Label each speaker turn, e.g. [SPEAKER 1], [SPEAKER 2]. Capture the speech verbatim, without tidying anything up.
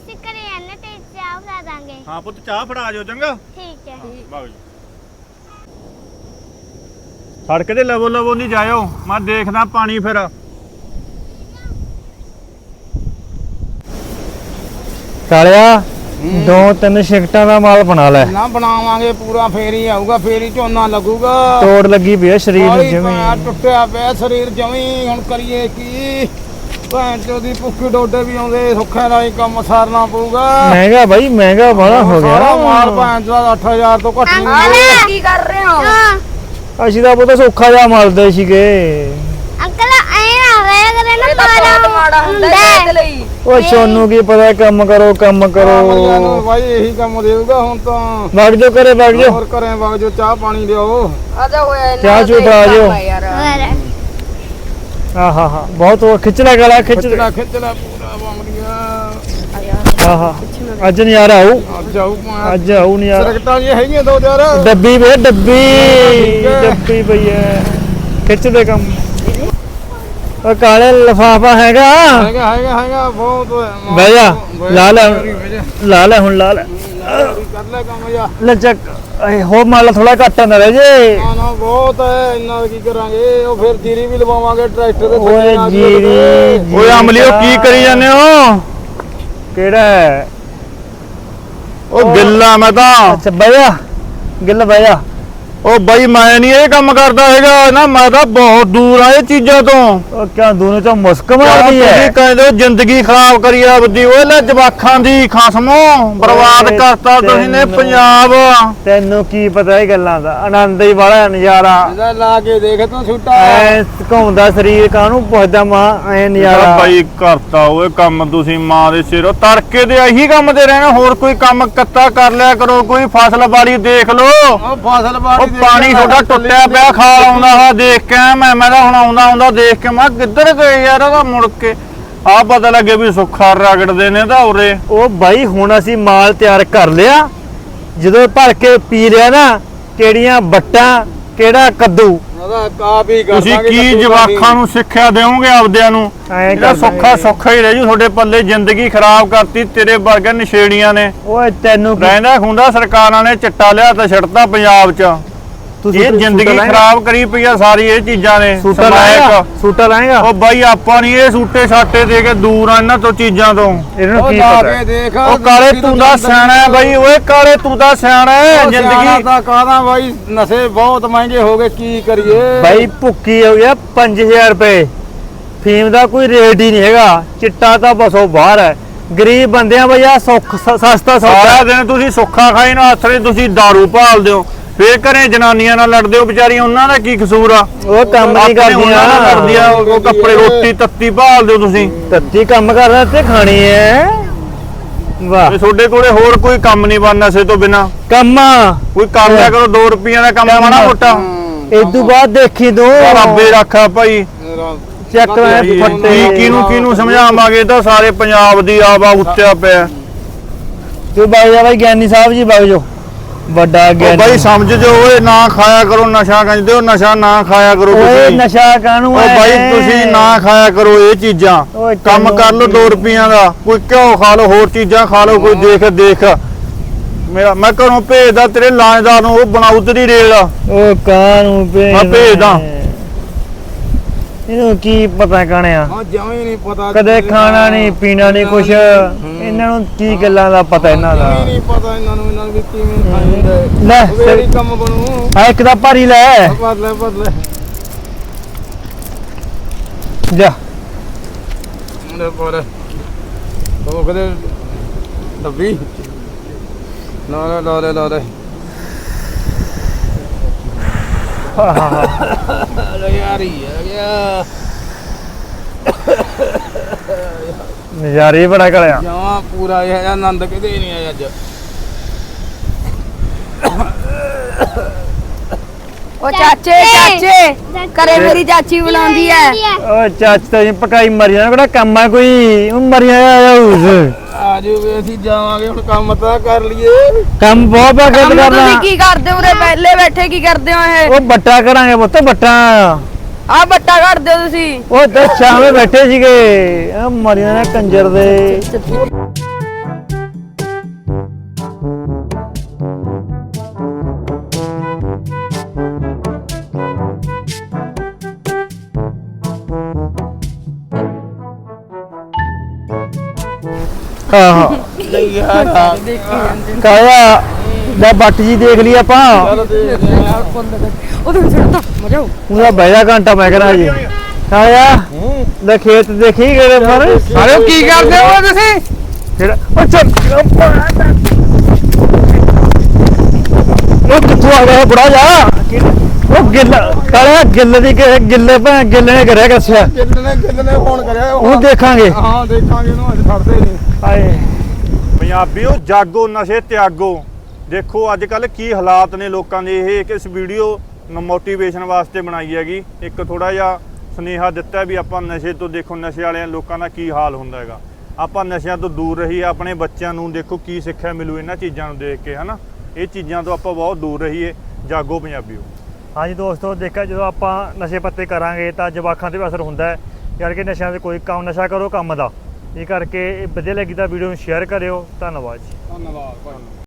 [SPEAKER 1] ਅਸੀਂ ਘਰੇ ਆਨੇ ਤੇ ਚਾਹ ਬਣਾ ਦਾਂਗੇ।
[SPEAKER 2] ਹਾਂ ਪੁੱਤ ਚਾਹ ਫੜਾ ਜਾਓ ਚੰਗਾ।
[SPEAKER 1] ਠੀਕ ਹੈ।
[SPEAKER 2] ਬਾਬੂ ਜੀ ਸੜਕ ਤੇ ਲਵੋ ਲਵੋ ਨਹੀਂ ਜਾਇਓ, ਮੈਂ ਦੇਖਦਾ ਪਾਣੀ ਫਿਰ।
[SPEAKER 3] ਕਾਲਿਆ ਦੋ ਤਿੰਨ ਸ਼ਿਫਟਾਂ ਦਾ ਮਾਲ ਬਣਾ ਲੈ
[SPEAKER 4] ਨਾ ਬਣਾਵਾਂਗੇ ਪੂਰਾ, ਫੇਰ ਹੀ ਆਊਗਾ, ਫੇਰ ਹੀ ਝੋਨਾ ਲੱਗੂਗਾ।
[SPEAKER 3] ਤੋੜ ਲੱਗੀ ਪਈ ਆ ਸਰੀਰ ਨੂੰ
[SPEAKER 4] ਬਾਹਲੀ
[SPEAKER 3] ਜਮੀ।
[SPEAKER 4] ਭੈਣ ਟੁੱਟਿਆ ਪਿਆ ਸਰੀਰ ਜਮੀ, ਹੁਣ ਕਰੀਏ ਕੀ? ਭੈਣ ਚੋਦੀ ਭੁੱਖੀ ਡੋਡੇ ਵੀ ਆਉਂਦੇ, ਸੁੱਖੇ ਨਾਲ ਹੀ ਕੰਮ ਸਾਰਨਾ ਪਊਗਾ।
[SPEAKER 3] ਮਹਿੰਗਾ ਬਾਈ ਮਹਿੰਗਾ ਬੜਾ ਹੋ
[SPEAKER 4] ਸਾਰਾ
[SPEAKER 3] ਗਿਆ।
[SPEAKER 4] ਮਾਲ ਭੈਣ ਚੋਦਾ ਅੱਠ ਹਜ਼ਾਰ ਤੋਂ ਘੱਟ ਨਹੀਂ।
[SPEAKER 5] ਕੀ ਕਰ ਰਹੇ ਹੋ?
[SPEAKER 3] ਅਸੀਂ ਤਾਂ ਬਹੁਤ ਸੌਖਾ ਜਿਹਾ ਮਲਦੇ ਸੀਗੇ।
[SPEAKER 1] ਅੰਕਲ ਐ ਨਾ ਹੋਇਆ ਕਰੇ ਨਾ,
[SPEAKER 5] ਇਹ ਤਾਂ ਬਹੁਤ ਮਾੜਾ ਹੁੰਦਾ ਹੈ ਇਹਦੇ ਲਈ।
[SPEAKER 3] ਓ ਸੋਨੂੰ ਕੀ ਪਤਾ, ਕੰਮ ਕਰੋ ਕੰਮ
[SPEAKER 4] ਅਮਲੀਆਂ ਨੂੰ
[SPEAKER 3] ਕਰੋ।
[SPEAKER 4] ਬਾਈ ਇਹੀ ਕੰਮ ਦੇਊਗਾ ਹੁਣ ਤਾਂ।
[SPEAKER 3] ਵਗ ਜੋ ਕਰੇ ਵਗ ਜੋ।
[SPEAKER 4] ਹੋਰ ਘਰੇ ਵਗ ਜੋ, ਚਾਹ ਪਾਣੀ ਲਿਆਓ।
[SPEAKER 5] ਆਜਾ ਹੋਇਆ ਇਹਨਾਂ
[SPEAKER 3] ਚਾਹ ਚੂਹ ਪਾ ਜਾਓ। ਆਹਾ ਹਾ ਬਹੁਤ ਉਹ ਖਿੱਚ ਲੈ ਗਲਾ ਖਿੱਚ ਲੈ।
[SPEAKER 4] ਖਿੱਚਣਾ ਖਿੱਚਣਾ ਪੂਰਾ ਬੰਗੜੀਆਂ।
[SPEAKER 3] ਆਹਾ ਅੱਜ ਨਜ਼ਾਰਾ ਆਊ,
[SPEAKER 4] ਅੱਜ ਆਊ ਭਾਂ
[SPEAKER 3] ਅੱਜ ਆਊ ਨਜ਼ਾਰਾ।
[SPEAKER 4] ਸਰਕਟਾਂ ਜੀ ਹੈਗੀਆਂ ਦੋ ਚਾਰ।
[SPEAKER 3] ਡੱਬੀ ਵੇ ਡੱਬੀ
[SPEAKER 4] ਠੀਕ ਹੈ।
[SPEAKER 3] ਡੱਬੀ ਪਈ ਐ, ਖਿੱਚ ਦੇ ਕੰਮ। ਓ ਕਾਲੇ ਲਫਾਫਾ ਹੈਗਾ?
[SPEAKER 4] ਹੈਗਾ ਹੈਗਾ ਹੈਗਾ ਬਹੁਤ।
[SPEAKER 3] ਬਹਿ ਜਾ, ਲਾ ਲੈ ਲਾ ਲੈ ਹੁਣ ਲਾ ਲੈ।
[SPEAKER 4] ਕਰ ਲੈ ਕੰਮ ਜਾ।
[SPEAKER 3] ਲੈ ਚੱਕ ਇਹ ਹੋ ਮਾਲ ਥੋੜਾ ਘੱਟ ਨਾ ਰਹਿ ਜੇ।
[SPEAKER 4] ਨਾ ਨਾ ਬਹੁਤ ਹੈ, ਇੰਨਾ ਕੀ ਕਰਾਂਗੇ? ਉਹ ਫਿਰ ਜੀਰੀ ਵੀ ਲਵਾਵਾਂਗੇ ਟਰੈਕਟਰ ਦੇ
[SPEAKER 3] ਓਏ
[SPEAKER 4] ਥੱਲੇ ਨਾਲ
[SPEAKER 3] ਜੀਰੀ
[SPEAKER 4] ਕਿਤੇ।
[SPEAKER 2] ਓਏ ਅਮਲੀਓ ਕੀ ਕਰੀ ਜਾਂਦੇ ਹੋ?
[SPEAKER 3] ਕਿਹੜਾ ਹੈ?
[SPEAKER 2] ਉਹ ਗਿੱਲਾ ਮੈਂ ਤਾਂ।
[SPEAKER 3] ਅੱਛਾ ਬਹਿ ਜਾ, ਗਿੱਲ ਬਹਿ ਜਾ।
[SPEAKER 2] ਉਹ ਬਾਈ ਮੈਂ ਨਹੀਂ ਇਹ ਕੰਮ ਕਰਦਾ ਹੈਗਾ ਨਾ, ਮੈਂ ਤਾਂ ਬਹੁਤ ਦੂਰ ਆ ਇਹ ਚੀਜ਼ਾਂ ਤੋਂ।
[SPEAKER 3] ਉਹ ਕਿਆ ਦੋਨੋਂ ਚੋਂ ਮੁਸਕ
[SPEAKER 2] ਯਾਰ
[SPEAKER 3] ਮਾਰਦੀ ਹੈ?
[SPEAKER 2] ਤੁਸੀਂ ਕਹਿੰਦੇ ਹੋ ਜ਼ਿੰਦਗੀ ਖਰਾਬ ਕਰੀ ਆਪਦੀ, ਓਏ ਲੈ ਜਵਾਖਾਂ ਦੀ ਖਸਮੋ ਬਰਬਾਦ
[SPEAKER 3] ਓਏ
[SPEAKER 2] ਕਰਤਾ ਤੁਸੀਂ ਨੇ
[SPEAKER 3] ਤੈਨੂੰ-
[SPEAKER 2] ਪੰਜਾਬ।
[SPEAKER 3] ਤੈਨੂੰ ਕੀ ਪਤਾ ਇਹ ਗੱਲਾਂ ਦਾ? ਆਨੰਦ ਹੀ ਵਾਲਾ ਨਜ਼ਾਰਾ।
[SPEAKER 4] ਇਹਦਾ ਲਾ ਕੇ ਦੇਖ ਤੂੰ ਛੁੱਟਾ।
[SPEAKER 3] ਐ ਘੁੰਮਦਾ ਸਰੀਰ, ਕਾਹਨੂੰ ਪੁੱਛਦਾ ਮਾਂ ਐ ਨਜ਼ਾਰਾ।
[SPEAKER 2] ਬਾਈ ਕਰਤਾ ਓਏ ਕੰਮ ਤੁਸੀਂ ਮਾਂ ਦੇ ਸਿਰੋਂ ਤੜਕੇ ਦੇ ਇਹੀ ਕੰਮ ਤੇ ਰਹਿਣਾ, ਹੋਰ ਕੋਈ ਕੰਮ ਕੱਤਾ ਕਰ ਲਿਆ ਕਰੋ, ਕੋਈ ਫਸਲ ਬਾੜੀ ਦੇਖ ਲੋ।
[SPEAKER 4] ਉਹ ਫਸਲ ਬਾੜੀ
[SPEAKER 2] ਉਹ ਪਾਣੀ ਤੁਹਾਡਾ ਟੁੱਟਿਆ ਪਿਆ, ਖਾਲ ਆਉਂਦਾ ਹਾ ਦੇਖ ਕੇ ਮੈਂ ਮੈਂ ਤਾਂ ਹੁਣ ਆਉਂਦਾ ਆਉਂਦਾ ਦੇਖ ਕੇ ਮੈਂ ਕਿੱਧਰ ਗਏ ਯਾਰ, ਉਹਦਾ ਮੁੜ ਕੇ ਆ ਪਤਾ ਲੱਗੇ ਵੀ ਸੁੱਖਾ ਰਗੜਦੇ ਨੇ ਤਾਂ ਉਰੇ।
[SPEAKER 3] ਉਹ ਬਾਈ ਹੁਣ ਅਸੀਂ ਮਾਲ ਤਿਆਰ ਕਰ ਲਿਆ, ਜਦੋਂ ਭਰ ਕੇ ਪੀ ਲਿਆ ਨਾ, ਕਿਹੜੀਆਂ ਬੱਟਾਂ ਕਿਹੜਾ ਕੱਦੂ।
[SPEAKER 4] ਉਹਦਾ ਕਾਪ ਹੀ ਕਰ
[SPEAKER 2] ਤੁਸੀਂ
[SPEAKER 4] ਦਾਂਗੇ
[SPEAKER 2] ਕੀ
[SPEAKER 4] ਕੱਦੂ
[SPEAKER 2] ਜਵਾਖਾਂ ਨੂੰ ਸਿੱਖਿਆ ਦੇਵੋਗੇ ਆਪਦਿਆਂ ਨੂੰ?
[SPEAKER 3] ਐਂ
[SPEAKER 2] ਜਿਹੜਾ
[SPEAKER 3] ਕਰ
[SPEAKER 2] ਸੁੱਖਾ ਸੁੱਖਾ ਹੀ ਰਹਿ ਜੂ ਤੁਹਾਡੇ ਪੱਲੇ, ਜ਼ਿੰਦਗੀ ਖਰਾਬ ਕਰਤੀ ਤੇਰੇ ਵਰਗੇ ਨਸ਼ੇੜੀਆਂ ਨੇ।
[SPEAKER 3] ਓਏ ਤੈਨੂੰ ਕੀ-
[SPEAKER 2] ਰਹਿੰਦਾ ਖੁੰਦਾ ਸਰਕਾਰਾਂ ਨੇ ਚਿੱਟਾ ਲਿਆ ਤਾਂ ਛੱਡਤਾ ਪੰਜਾਬ 'ਚ।
[SPEAKER 3] ਤੂੰ
[SPEAKER 2] ਇਹ
[SPEAKER 3] ਸੂਟਾ
[SPEAKER 2] ਜ਼ਿੰਦਗੀ
[SPEAKER 3] ਲਾਏਂਗਾ?
[SPEAKER 2] ਖਰਾਬ ਕਰੀ ਪਈ ਆ ਸਾਰੀ ਇਹ ਚੀਜ਼ਾਂ ਨੇ।
[SPEAKER 3] ਸੂਟਾ
[SPEAKER 2] ਸਮੈਕ।
[SPEAKER 3] ਲਾਏਗਾ? ਸੂਟਾ ਲਾਏਗਾ?
[SPEAKER 2] ਉਹ ਬਾਈ ਆਪਾਂ ਨਹੀਂ ਇਹ ਸੂਟੇ ਸਾਟੇ ਦੇ ਕੇ ਦੂਰ ਆ ਇਹਨਾਂ ਤੋਂ ਚੀਜ਼ਾਂ ਤੋਂ।
[SPEAKER 3] ਇਹਨਾਂ ਨੂੰ
[SPEAKER 4] ਉਹ
[SPEAKER 3] ਕੀ
[SPEAKER 4] ਲਾ
[SPEAKER 3] ਪਤਾ?
[SPEAKER 4] ਕੇ ਦੇਖ।
[SPEAKER 2] ਉਹ ਕਾਲੇ ਤੂੰ ਦਾ ਸਿਆਣਾ ਹੈ ਬਾਈ, ਓਏ ਕਾਲੇ ਤੂੰ ਦਾ ਸਿਆਣਾ ਹੈ। ਜ਼ਿੰਦਗੀ
[SPEAKER 4] ਦਾ ਕਾਹਦਾ ਬਾਈ, ਨਸ਼ੇ ਬਹੁਤ ਮਹਿੰਗੇ ਹੋ ਗਏ, ਕੀ ਕਰੀਏ?
[SPEAKER 3] ਬਾਈ ਭੁੱਕੀ ਹੋ ਗਿਆ ਪੰਜ ਹਜ਼ਾਰ ਰੁਪਏ, ਫੀਮ ਦਾ ਕੋਈ ਰੇਟ ਹੀ ਨਹੀਂ ਹੈਗਾ, ਚਿੱਟਾ ਤਾਂ ਬਸੋ ਬਾਹਰ ਹੈ। ਗਰੀਬ ਬੰਦਿਆਂ ਬਈ ਆ ਸੁੱਖ ਸ- ਸਸਤਾ
[SPEAKER 2] ਸਾਰਾ
[SPEAKER 3] ਸੌਦਾ।
[SPEAKER 2] ਦਿਨ ਤੁਸੀਂ ਸੁੱਖਾ ਖਾਈ ਨਾ ਹੱਥ ਵਿੱਚ ਤੁਸੀਂ ਦਾਰੂ ਭਾਲਦੇ ਹੋ, ਫੇਰ ਘਰੇ ਜਨਾਨੀਆਂ ਨਾਲ ਲੜਦੇ ਹੋ ਵਿਚਾਰੀਆਂ, ਉਹਨਾਂ ਦਾ ਕੀ ਕਸੂਰ ਆ?
[SPEAKER 3] ਉਹ ਕੰਮ ਨਹੀਂ
[SPEAKER 2] ਆਪਣੇ ਉਹਨਾਂ ਨਾਲ ਕਰਦੀਆਂ,
[SPEAKER 3] ਕਰਦੀਆਂ,
[SPEAKER 2] ਉਹ ਕੱਪੜੇ ਰੋਟੀ ਤੱਤੀ ਭਾਲਦੇ ਹੋ ਤੁਸੀਂ।
[SPEAKER 3] ਤੱਤੀ ਕੰਮ ਕਰਦਾ ਤੇ ਖਾਣੀ ਹੈ। ਵਾਹ
[SPEAKER 2] ਤੇ ਤੁਹਾਡੇ ਕੋਲੇ ਹੋਰ ਕੋਈ ਕੰਮ ਨਹੀਂ ਬਣਨਾ ਨਸ਼ੇ ਤੋਂ ਬਿਨਾ।
[SPEAKER 3] ਕੰਮ
[SPEAKER 2] ਕੋਈ ਕਰ ਲਿਆ ਕਰੋ ਦੋ ਰੁਪਈਆਂ ਦਾ ਕੰਮ ਮਾੜਾ ਮੋਟਾ।
[SPEAKER 3] ਇਦੋਂ ਬਾਅਦ ਦੇਖੀ ਤੂੰ
[SPEAKER 2] ਰੱਬੇ ਰੱਖਾ ਭਾਈ।
[SPEAKER 3] ਚੱਕ ਲੈ
[SPEAKER 2] ਕੀ
[SPEAKER 3] ਫੱਟੇ।
[SPEAKER 2] ਕਿਹਨੂੰ ਕਿਹਨੂੰ ਸਮਝਾਵਾਂਗੇ, ਤਾਂ ਸਾਰੇ ਪੰਜਾਬ ਦੀ ਆਵਾ ਉੱਤਿਆ ਪਿਆ।
[SPEAKER 3] ਤੂੰ ਬਾਈ ਜਾ ਬਾਈ ਗਿਆਨੀ ਸਾਹਿਬ ਜੀ ਬਾਈ ਜੋ ਵੱਡਾ
[SPEAKER 2] ਉਹ
[SPEAKER 3] ਗਿਆਨੀ।
[SPEAKER 2] ਬਾਈ ਸਮਝ ਜੋ, ਓਏ ਨਾ ਖਾਇਆ ਕਰੋ ਨਸ਼ਾ, ਕਹਿੰਦੇ ਹੋ ਨਸ਼ਾ ਨਾ ਖਾਇਆ ਕਰੋ
[SPEAKER 3] ਓਏ
[SPEAKER 2] ਤੁਸੀਂ।
[SPEAKER 3] ਨਸ਼ਾ ਕਾਹਨੂੰ
[SPEAKER 2] ਉਹ
[SPEAKER 3] ਹੈ?
[SPEAKER 2] ਬਾਈ ਤੁਸੀਂ ਨਾ ਖਾਇਆ ਕਰੋ ਇਹ ਚੀਜ਼ਾਂ,
[SPEAKER 3] ਓਏ
[SPEAKER 2] ਕੰਮ
[SPEAKER 3] ਤੈਨੂੰ
[SPEAKER 2] ਕਰ ਲਓ ਦੋ ਰੁਪਈਆਂ ਦਾ, ਕੋਈ ਘਿਓ ਖਾ ਲਓ, ਹੋਰ ਚੀਜ਼ਾਂ ਖਾ ਲਓ, ਕੋਈ ਦੇਖ ਦੇਖ। ਮੇਰਾ ਮੈਂ ਘਰੋਂ ਭੇਜਦਾ ਤੇਰੇ ਲਾਣੇਦਾਰ ਨੂੰ, ਉਹ ਬਣਾਉ ਤੇਰੀ ਰੇਲ।
[SPEAKER 3] ਉਹ ਕਾਹਨੂੰ ਭੇਜ
[SPEAKER 2] ਮੈਂ ਭੇਜਦਾ।
[SPEAKER 3] ਇਹਨੂੰ ਕੀ ਪਤਾ ਕਣਿਆ,
[SPEAKER 4] ਹਾਂ ਜਮੇ ਨਹੀਂ ਪਤਾ,
[SPEAKER 3] ਕਦੇ ਖਾਣਾ ਨਹੀਂ ਪੀਣਾ ਨਹੀਂ ਕੁਛ, ਇਹਨਾਂ ਨੂੰ ਕੀ ਗੱਲਾਂ ਦਾ ਪਤਾ ਇਹਨਾਂ ਦਾ।
[SPEAKER 4] ਜਮੇ ਨਹੀਂ ਪਤਾ ਇਹਨਾਂ ਨੂੰ, ਇਹਨਾਂ ਨੂੰ ਵੀ ਕਿਵੇਂ ਖਾਈਦਾ ਹੈ।
[SPEAKER 3] ਲੈ
[SPEAKER 4] ਵੇਰੀ ਕੰਮ ਬਣੂ।
[SPEAKER 3] ਆ ਇੱਕ ਦਾ ਭਾਰੀ ਲੈ
[SPEAKER 4] ਬਦਲੇ ਬਦਲੇ
[SPEAKER 3] ਜਾ।
[SPEAKER 4] ਮੁੰਡੇ ਪਰ ਉਹ ਕਦੇ ਡੱਬੀ ਨਾ ਨਾ ਲਾ ਲੈ ਲਾ ਲੈ ਯਾਰ ਹੀ ਆ ਗਿਆ।
[SPEAKER 3] ਨਜ਼ਾਰੇ ਬੜਾ ਕਲਿਆ।
[SPEAKER 4] ਜਮਾ ਪੂਰਾ ਇਹ ਆਨੰਦ ਕਿਤੇ ਨਹੀਂ ਆਇਆ ਅੱਜ।
[SPEAKER 5] ਉਹ ਚਾਚੇ ਚਾਚੇ ਘਰੇ ਮੇਰੀ ਚਾਚੀ ਬੁਲਾਉਂਦੀ ਐ।
[SPEAKER 3] ਓ ਚਾਚ ਤਾਂ ਜੀ ਪਕਾਈ ਮਰੀ ਜਾਣਾ, ਕਿਹੜਾ ਕੰਮ ਆ ਕੋਈ? ਉਹ ਮਰੀ ਆਇਆ ਉਸ
[SPEAKER 4] ਆਜੋ ਵੀ ਅਸੀਂ ਜਾਵਾਂਗੇ ਹੁਣ, ਕੰਮ ਤਾਂ ਕਰ ਲਈਏ।
[SPEAKER 3] ਕੰਮ ਬਹੁਤ ਬਾਕੀ
[SPEAKER 5] ਕੰਮ
[SPEAKER 3] ਕਰਨਾ।
[SPEAKER 5] ਤੁਸੀਂ ਕੀ ਕਰਦੇ ਹੋ ਉਰੇ ਪਹਿਲੇ ਬੈਠੇ, ਕੀ ਕਰਦੇ ਹੋ ਇਹ?
[SPEAKER 3] ਉਹ ਬੱਟਾ ਕਰਾਂਗੇ ਪੁੱਤ, ਬੱਟਾ।
[SPEAKER 5] ਆਹ ਬੱਟਾ ਕਰਦੇ ਹੋ ਤੁਸੀਂ?
[SPEAKER 3] ਉਹ ਤੇ ਸ਼ਾਮੇ ਬੈਠੇ ਸੀਗੇ, ਆ ਮਰੀ ਜਾਣਾ ਕੰਜਰ ਦੇ। ਹਾਂ ਹਾਂ
[SPEAKER 4] ਨਹੀਂ ਯਾਰ
[SPEAKER 3] ਕਾਇਆ ਲੈ ਬੱਟ ਜੀ ਦੇਖ ਲਈ ਆਪਾਂ
[SPEAKER 5] ਉਹਦੇ ਵਿੱਚ ਛੱਡਦਾ ਮਜ਼ਾ ਆਉ
[SPEAKER 3] ਉਹਦਾ ਬੈਠਾ ਘੰਟਾ ਮੈਂ ਕਰਾਂ ਜੀ ਕਾਇਆ ਲੈ ਖੇਤ ਦੇਖੀ ਗਏ ਮਰ
[SPEAKER 4] ਅਰੇ ਕੀ ਕਰਦੇ ਹੋ ਤੁਸੀਂ
[SPEAKER 3] ਜਿਹੜਾ ਉਹ ਚੱਲ ਉਹ ਕਿੱਥੋਂ ਆ ਗਿਆ ਬੁੜਾ ਜਾ ਉਹ ਗਿੱਲ ਕਾਇਆ ਗਿੱਲ ਦੀ ਕਿ- ਗਿੱਲੇ ਭੈਣ ਗਿੱਲੇ ਨੇ ਕਰਿਆ ਕੱਸਿਆ
[SPEAKER 4] ਕਿੰਨੇ ਕਿੰਨੇ ਫੋਨ ਕਰਿਆ
[SPEAKER 3] ਉਹ ਦੇਖਾਂਗੇ
[SPEAKER 4] ਹਾਂ ਦੇਖਾਂਗੇ ਉਹਨੂੰ ਅੱਜ ਛੱਡਦੇ ਨਹੀਂ
[SPEAKER 3] ਹਾਏ
[SPEAKER 2] ਪੰਜਾਬੀਓ ਜਾਗੋ ਨਸ਼ੇ ਤਿਆਗੋ। ਦੇਖੋ ਅੱਜ ਕੱਲ ਕੀ ਹਾਲਾਤ ਨੇ ਲੋਕਾਂ ਦੇ। ਇਹ ਇੱਕ ਇਸ ਵੀਡੀਓ ਮੋਟੀਵੇਸ਼ਨ ਵਾਸਤੇ ਬਣਾਈ ਹੈਗੀ। ਇੱਕ ਥੋੜਾ ਜਿਹਾ ਸੁਨੇਹਾ ਦਿੱਤਾ ਵੀ ਆਪਾਂ ਨਸ਼ੇ ਤੋਂ, ਦੇਖੋ ਨਸ਼ੇ ਵਾਲਿਆਂ ਲੋਕਾਂ ਦਾ ਕੀ ਹਾਲ ਹੁੰਦਾ ਹੈਗਾ। ਆਪਾਂ ਨਸ਼ਿਆਂ ਤੋਂ ਦੂਰ ਰਹੀਏ, ਆਪਣੇ ਬੱਚਿਆਂ ਨੂੰ ਦੇਖੋ ਕੀ ਸਿੱਖਿਆ ਮਿਲੂ ਇਹਨਾਂ ਚੀਜ਼ਾਂ ਨੂੰ ਦੇਖ ਕੇ, ਹਨਾ। ਇਹ ਚੀਜ਼ਾਂ ਤੋਂ ਆਪਾਂ ਬਹੁਤ ਦੂਰ ਰਹੀਏ। ਜਾਗੋ ਪੰਜਾਬੀਓ।
[SPEAKER 3] ਹਾਂਜੀ ਦੋਸਤੋ, ਦੇਖਿਆ ਜਦੋਂ ਆਪਾਂ ਨਸ਼ੇ ਪੱਤੇ ਕਰਾਂਗੇ ਤਾਂ ਜਵਾਕਾਂ ਤੇ ਵੀ ਅਸਰ ਹੁੰਦਾ ਹੈ। ਯਾਰ ਕਿ ਨਸ਼ਿਆਂ ਦੇ ਕੋਈ ਕੰਮ ਨਸ਼ਾ ਕਰੋ ਕੰਮ ਦਾ। ਇਹ ਕਰਕੇ ਇਹ ਵਧੀਆ ਲੱਗੀ ਤਾਂ ਵੀਡੀਓ ਨੂੰ ਸ਼ੇਅਰ ਕਰਿਓ। ਧੰਨਵਾਦ ਜੀ।
[SPEAKER 4] ਧੰਨਵਾਦ ਭਾਈ।